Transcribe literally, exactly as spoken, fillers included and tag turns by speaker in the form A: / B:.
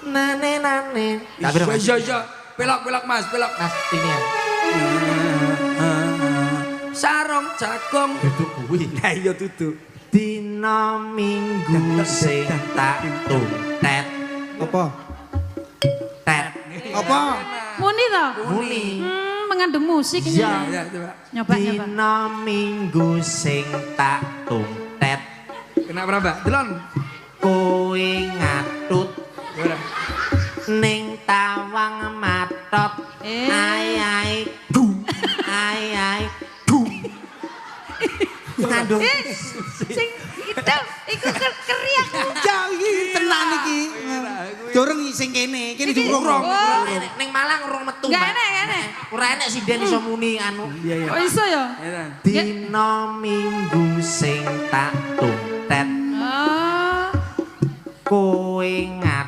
A: nane nane.
B: Iya iya, pelak-pelak Mas, pelak.
A: Mas ini ya.
B: Sarung jagung.
A: Duduk kuwi.
B: Lah iya duduk.
A: Dina minggu sing tak tuntet.
C: Apa?
A: Tet.
C: Apa?
D: Muni toh?
A: Muni.
D: Hmm, mengandung musik ini.
A: Iya.
B: Ya coba.
D: Nyoba nyoba.
A: Dina minggu sing tak tuntet.
B: Kenapa Mbak? Delon.
A: Kowe ngatut
B: Ora.
A: ning tawang matot.
D: Eh.
A: Ai ai dum. Ai ai dum. Aduh.
D: Eh, sing itu iku ker- keriak.
C: Ya iki tenan iki. Dorong sing kene, kene diurung.
D: Oh,
A: Ning Malang urung metu.
D: Enggak
A: Mbak.
D: enak, enggak enak.
A: Ora enak sinden iso muni anu.
C: Iya iya.
D: Kok iso ya?
B: Ya.
A: Dina minggu sing tak tuntet.
D: Oh.
A: Kowe ngat